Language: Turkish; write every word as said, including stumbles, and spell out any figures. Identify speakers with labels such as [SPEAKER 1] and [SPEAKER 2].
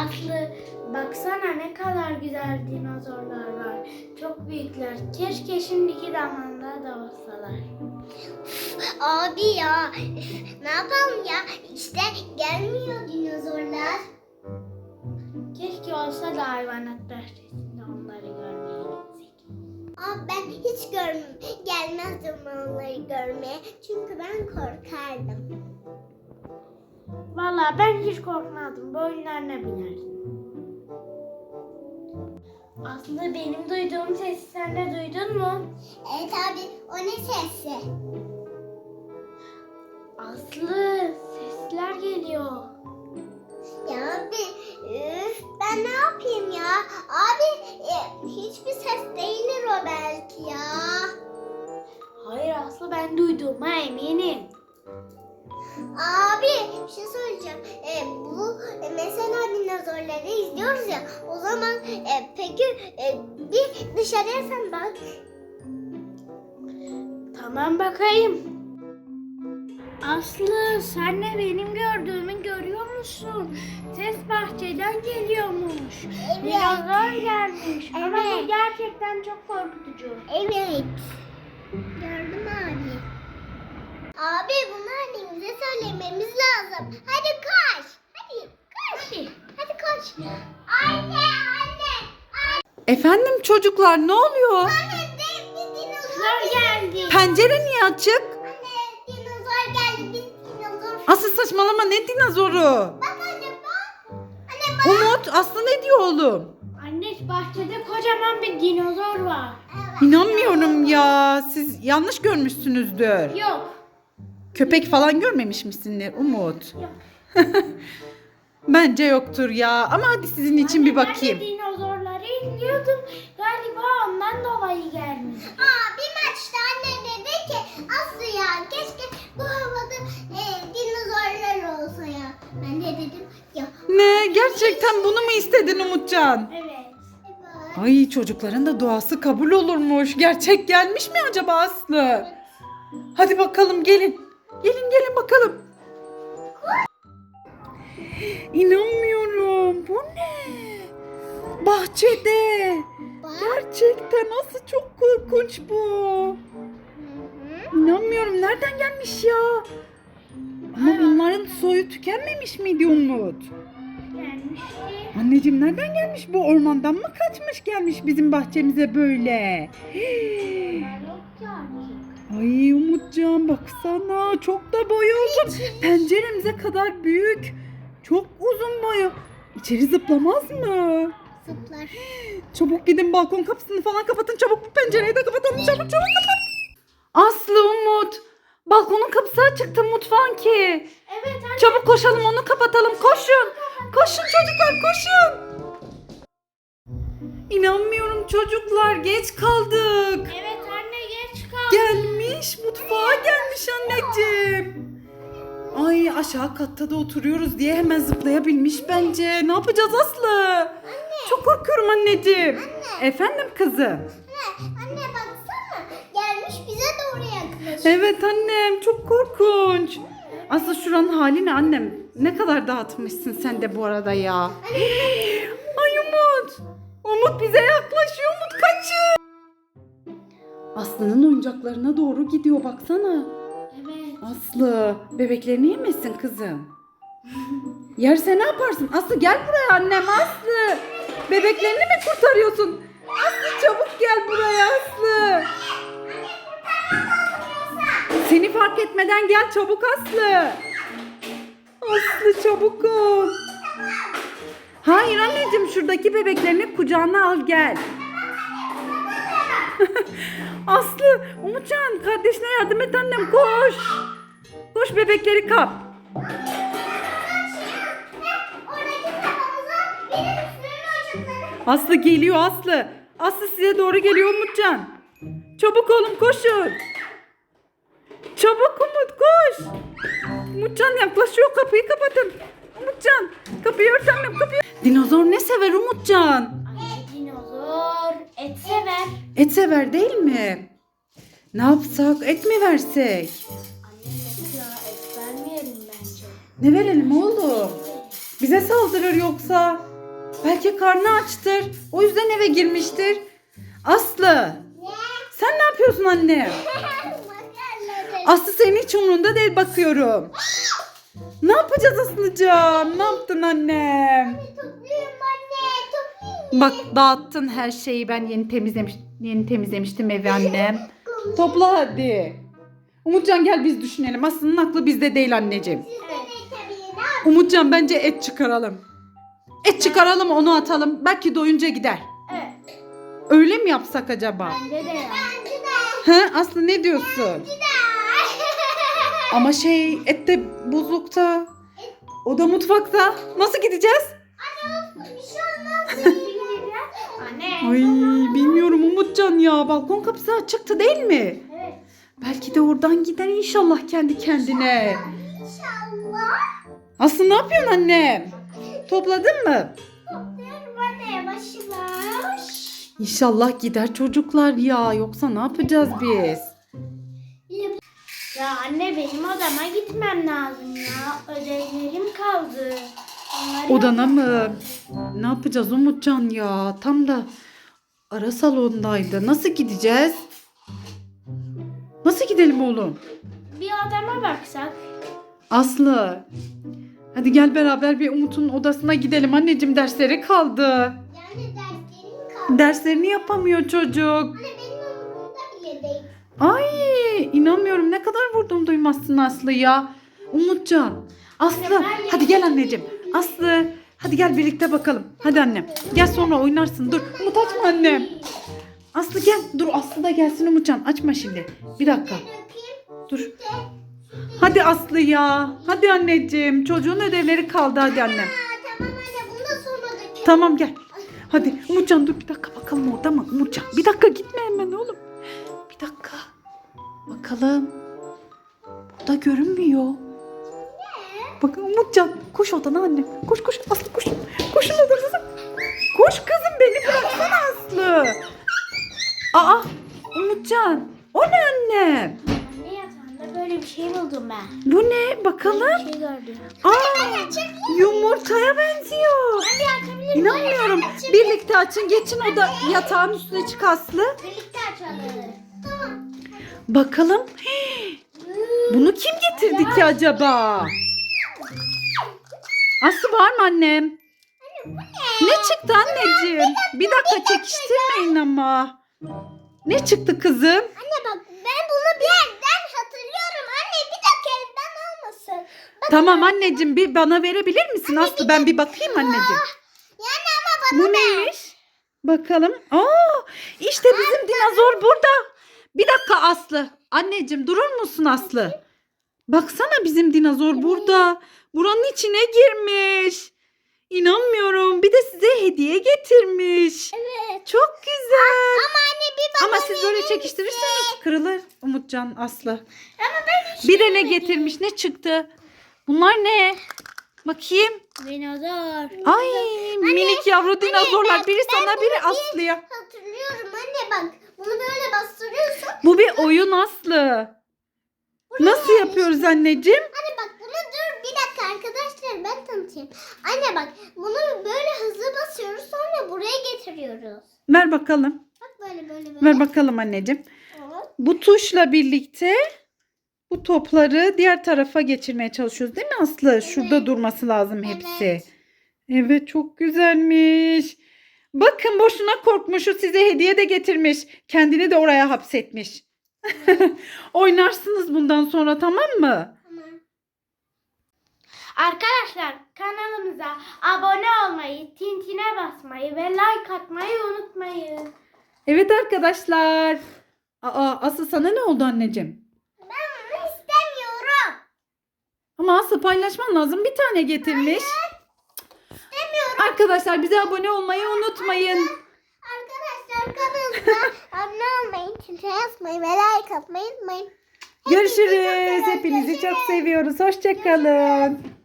[SPEAKER 1] Aslı baksana ne kadar güzel dinozorlar var. Çok büyükler. Keşke şimdiki zamanlarda da olsalar.
[SPEAKER 2] Abi ya üf, ne yapalım ya işte gelmiyor dinozorlar.
[SPEAKER 1] Keşke olsa da hayvanat bahçesinde onları görmeye gitsek.
[SPEAKER 2] Abi ben hiç görmem gelmezdim onları görmeye çünkü ben korkardım.
[SPEAKER 1] Vallahi ben hiç korkmadım. Boyunlarına binerdim. Aslı benim duyduğum sesi sen de duydun mu?
[SPEAKER 2] Evet abi o ne sesi?
[SPEAKER 1] Aslı sesler geliyor.
[SPEAKER 2] Ya abi üf, ben ne yapayım ya? Abi e, hiçbir ses değildir o belki ya.
[SPEAKER 1] Hayır Aslı ben duyduğuma eminim.
[SPEAKER 2] Abi bir şey söyleyeceğim. E, bu e, mesela dinozorları izliyoruz ya. O zaman e, peki e, bir dışarıya sen bak.
[SPEAKER 1] Tamam bakayım. Aslı sen de benim gördüğümü görüyor musun? Ses bahçeden geliyormuş.
[SPEAKER 2] Evet.
[SPEAKER 1] Dinozor gelmiş. Ama bu
[SPEAKER 2] Evet.
[SPEAKER 1] gerçekten çok korkutucu.
[SPEAKER 2] Evet. Gördüm abi. Abi bunu annemize söylememiz lazım. Hadi koş. Hadi koş. Hadi, hadi koş. Anne anne.
[SPEAKER 3] Efendim çocuklar ne oluyor?
[SPEAKER 2] Anne de bir dinozor
[SPEAKER 1] geldi.
[SPEAKER 3] Pencere niye açık?
[SPEAKER 2] Anne dinozor geldi. Biz dinozor.
[SPEAKER 3] Asıl saçmalama, ne dinozoru?
[SPEAKER 2] Bak anne bak. Anne bak.
[SPEAKER 3] Umut, Aslı ne diyor oğlum?
[SPEAKER 1] Anne bahçede kocaman bir dinozor var.
[SPEAKER 2] Evet.
[SPEAKER 3] İnanmıyorum ya, siz yanlış görmüşsünüzdür.
[SPEAKER 1] Yok.
[SPEAKER 3] Köpek falan görmemiş misindir Umut?
[SPEAKER 1] Yok.
[SPEAKER 3] Bence yoktur ya, ama hadi sizin için bir
[SPEAKER 1] Anne,
[SPEAKER 3] bakayım.
[SPEAKER 1] Ben de dinozorları izliyordum. Galiba ondan dolayı gelmiş.
[SPEAKER 2] Aa, bir maçta anne dedi ki Aslı ya keşke bu havada e, dinozorlar olsa ya. Ben de dedim ya.
[SPEAKER 3] Ne, gerçekten bunu mu istedin Umutcan?
[SPEAKER 1] Evet.
[SPEAKER 2] Evet.
[SPEAKER 3] Ay, çocukların da duası kabul olurmuş. Gerçek gelmiş mi acaba Aslı? Hadi bakalım, gelin. Gelin gelin bakalım. İnanmıyorum. Bu ne? Bahçede.
[SPEAKER 2] Bak.
[SPEAKER 3] Gerçekten nasıl çok korkunç bu.
[SPEAKER 2] Hı hı.
[SPEAKER 3] İnanmıyorum. Nereden gelmiş ya? Ama bunların soyu tükenmemiş miydi Umut?
[SPEAKER 1] Gelmişti.
[SPEAKER 3] Anneciğim, nereden gelmiş bu? Ormandan mı kaçmış gelmiş bizim bahçemize böyle?
[SPEAKER 1] Yok ki artık.
[SPEAKER 3] Ay Umutcan, baksana, çok da boyu uzun. Penceremize kadar büyük. Çok uzun boyu. İçeri zıplamaz mı?
[SPEAKER 2] Zıplar.
[SPEAKER 3] Çabuk gidin, balkon kapısını falan kapatın. Çabuk bu pencereyi de kapatalım. Çabuk çabuk kapat. Aslı, Umut. Balkonun kapısı açıktı mutfağın ki.
[SPEAKER 1] Evet anne.
[SPEAKER 3] Çabuk koşalım, onu kapatalım. Koşun. Koşun çocuklar, koşun. İnanmıyorum çocuklar, geç kaldık.
[SPEAKER 1] Evet anne geç kaldım.
[SPEAKER 3] Gelmiş, mutfağa gelmiş anneciğim. Ay, aşağı katta da oturuyoruz diye hemen zıplayabilmiş bence. Ne yapacağız Aslı? Çok korkuyorum anneciğim. Efendim kızım?
[SPEAKER 2] Anne, anne baksana gelmiş bize doğru yaklaşıyor.
[SPEAKER 3] Evet annem, çok korkunç. Aslı, şuranın hali ne annem? Ne kadar dağıtmışsın sen de bu arada ya. Ay Umut. Umut bize yaklaşıyor. Umut kaçın. Aslı'nın oyuncaklarına doğru gidiyor, baksana.
[SPEAKER 1] Evet.
[SPEAKER 3] Aslı, bebeklerini yemesin kızım. Yerse ne yaparsın? Aslı gel buraya annem, Aslı. Bebeklerini mi kurtarıyorsun? Aslı çabuk gel buraya Aslı. Seni fark etmeden gel çabuk Aslı. Aslı çabuk ol. Hayır anneciğim, şuradaki bebeklerini kucağına al gel. Aslı, Umutcan, kardeşine yardım et annem, koş. Koş, bebekleri kap.
[SPEAKER 2] Oradaki kafamıza benim üstümün uçukları.
[SPEAKER 3] Aslı geliyor Aslı. Aslı size doğru geliyor Umutcan. Çabuk oğlum, koşun. Çabuk Umut, koş. Umutcan yaklaşıyor, kapıyı kapatın. Umutcan, kapıyı ört annem, kapıyı. Dinozor ne sever Umutcan?
[SPEAKER 1] Anne dinozor et sever.
[SPEAKER 3] Et sever değil mi? Ne yapsak, et mi versek?
[SPEAKER 1] Anne mesela et vermeyelim bence.
[SPEAKER 3] Ne verelim oğlum? Bize saldırır yoksa. Belki karnı açtır. O yüzden eve girmiştir. Aslı. Sen ne yapıyorsun anne? Aslı senin hiç umurunda değil bakıyorum. Ne yapacağız Aslıcığım? Ne yaptın annem?
[SPEAKER 2] Topluyorum anne, toplayayım.
[SPEAKER 3] Bak dağıttın her şeyi. Ben yeni temizlemiş, yeni temizlemiştim evi annem. Topla hadi. Umutcan gel biz düşünelim. Aslı'nın aklı bizde değil anneciğim. Umutcan bence et çıkaralım. Et çıkaralım onu atalım. Belki doyunca gider.
[SPEAKER 1] Evet.
[SPEAKER 3] Öyle mi yapsak acaba?
[SPEAKER 1] Bence de ya.
[SPEAKER 3] He Aslı ne diyorsun? Ama şey et de buzlukta. O da mutfakta. Nasıl gideceğiz?
[SPEAKER 1] Anne.
[SPEAKER 3] Ay bilmiyorum Umutcan ya. Balkon kapısı açıktı değil mi?
[SPEAKER 1] Evet.
[SPEAKER 3] Belki de oradan gider inşallah kendi kendine.
[SPEAKER 2] İnşallah.
[SPEAKER 3] Aslı ne yapıyorsun annem? Topladın mı?
[SPEAKER 2] Topluyorum anne, yavaş yavaş.
[SPEAKER 3] İnşallah gider çocuklar ya. Yoksa ne yapacağız biz?
[SPEAKER 1] Ya anne benim odama gitmem lazım ya. Ödevlerim kaldı. Onları
[SPEAKER 3] Odana
[SPEAKER 1] yapmam
[SPEAKER 3] mı?
[SPEAKER 1] lazım.
[SPEAKER 3] Ne yapacağız Umutcan ya? Tam da ara salondaydı. Nasıl gideceğiz? Nasıl gidelim oğlum?
[SPEAKER 1] Bir odama baksak.
[SPEAKER 3] Aslı. Hadi gel beraber bir Umut'un odasına gidelim. Anneciğim dersleri kaldı.
[SPEAKER 2] Yani derslerim kaldı.
[SPEAKER 3] Derslerini yapamıyor çocuk.
[SPEAKER 2] Anne benim umurumda bile değil.
[SPEAKER 3] Ay inanmıyorum ne kadar vurdum duymazsın Aslı ya. Umutcan. Aslı hadi gel anneciğim. Aslı hadi gel birlikte bakalım. Hadi annem. Gel sonra oynarsın. Dur Umut açma annem. Aslı gel. Dur Aslı da gelsin Umutcan. Açma şimdi. Bir dakika.
[SPEAKER 2] Dökeyim.
[SPEAKER 3] Dur. Hadi Aslı ya. Hadi anneciğim. Çocuğun ödevleri kaldı hadi annem.
[SPEAKER 2] Aa, tamam anne, bunu da sonra dökeyim.
[SPEAKER 3] Tamam gel. Hadi Umutcan dur bir dakika bakalım orada mı? Umutcan bir dakika gitme hemen oğlum. Bir dakika. Bakalım. Burada görünmüyor. Bakın Umutcan koş odana annem. Koş koş Aslı koş. Koşun odanıza. Koş kızım beni bıraksana Aslı. Aa Umutcan. O ne annem?
[SPEAKER 1] Anne yatağında böyle bir şey buldum ben.
[SPEAKER 3] Bu ne? Bakalım.
[SPEAKER 1] Bir şey gördüm.
[SPEAKER 3] Aa yumurtaya benziyor. İnanmıyorum. Birlikte açın. Geçin oda yatağın üstüne çık Aslı.
[SPEAKER 2] Birlikte açalım. Tamam.
[SPEAKER 3] Bakalım. Bunu kim getirdi ki acaba? Aslı var mı annem? Ne çıktı anneciğim? Bir dakika çekiştirmeyin ama. Ne çıktı kızım?
[SPEAKER 2] Anne bak, ben bunu bir yerden hatırlıyorum. Anne bir dakika, evden olmasın. Bak,
[SPEAKER 3] Tamam anneciğim bir bana verebilir misin Aslı? Ben bir bakayım anneciğim.
[SPEAKER 2] yani ama bana
[SPEAKER 3] Bu neymiş? Bakalım. Aa, işte bizim dinozor burada. Bir dakika Aslı. Anneciğim durur musun Aslı? Baksana bizim dinozor burada. Buranın içine girmiş. İnanmıyorum. Bir de size hediye getirmiş.
[SPEAKER 2] Evet.
[SPEAKER 3] Çok güzel.
[SPEAKER 2] Ama anne bir bana
[SPEAKER 3] Ama siz böyle
[SPEAKER 2] verir
[SPEAKER 3] çekiştirirseniz kırılır Umutcan Aslı.
[SPEAKER 2] Ama ben hiç
[SPEAKER 3] Bir de ne getirmiş ne çıktı? Bunlar ne? Bakayım.
[SPEAKER 1] Dinozor.
[SPEAKER 3] Ay minik yavru dinozorlar.
[SPEAKER 2] ben-
[SPEAKER 3] Biri
[SPEAKER 2] ben
[SPEAKER 3] sana biri
[SPEAKER 2] bunu bir-
[SPEAKER 3] Aslı'ya.
[SPEAKER 2] hatırlıyorum anne bak. Bunu böyle bastırıyorsun.
[SPEAKER 3] Bu bir oyun Aslı. Nasıl yapıyoruz anneciğim?
[SPEAKER 2] Anne bak, bunu dur bir dakika arkadaşlar, ben tanıtayım. Anne bak, bunu böyle hızlı basıyoruz, sonra buraya getiriyoruz.
[SPEAKER 3] Ver bakalım.
[SPEAKER 2] Bak böyle böyle böyle.
[SPEAKER 3] Ver bakalım anneciğim.
[SPEAKER 2] Evet.
[SPEAKER 3] Bu tuşla birlikte bu topları diğer tarafa geçirmeye çalışıyoruz değil mi Aslı? Şurada durması lazım hepsi.
[SPEAKER 2] Evet.
[SPEAKER 3] Evet çok güzelmiş. Bakın boşuna korkmuşu size hediye de getirmiş. Kendini de oraya hapsetmiş. Oynarsınız bundan sonra tamam mı?
[SPEAKER 2] Tamam.
[SPEAKER 1] Arkadaşlar kanalımıza abone olmayı, tintine basmayı ve like atmayı unutmayın.
[SPEAKER 3] Evet arkadaşlar. Aa Aslı sana ne oldu anneciğim?
[SPEAKER 2] Ben bunu istemiyorum.
[SPEAKER 3] Ama Aslı paylaşman lazım. Bir tane getirmiş.
[SPEAKER 2] İstemiyorum.
[SPEAKER 3] Arkadaşlar bize abone olmayı unutmayın.
[SPEAKER 2] Arkadaşlar kanalımıza abone olmayı, çintine basmayı ve like atmayı unutmayın.
[SPEAKER 3] Görüşürüz. Hepinizi çok seviyoruz. Hoşça kalın.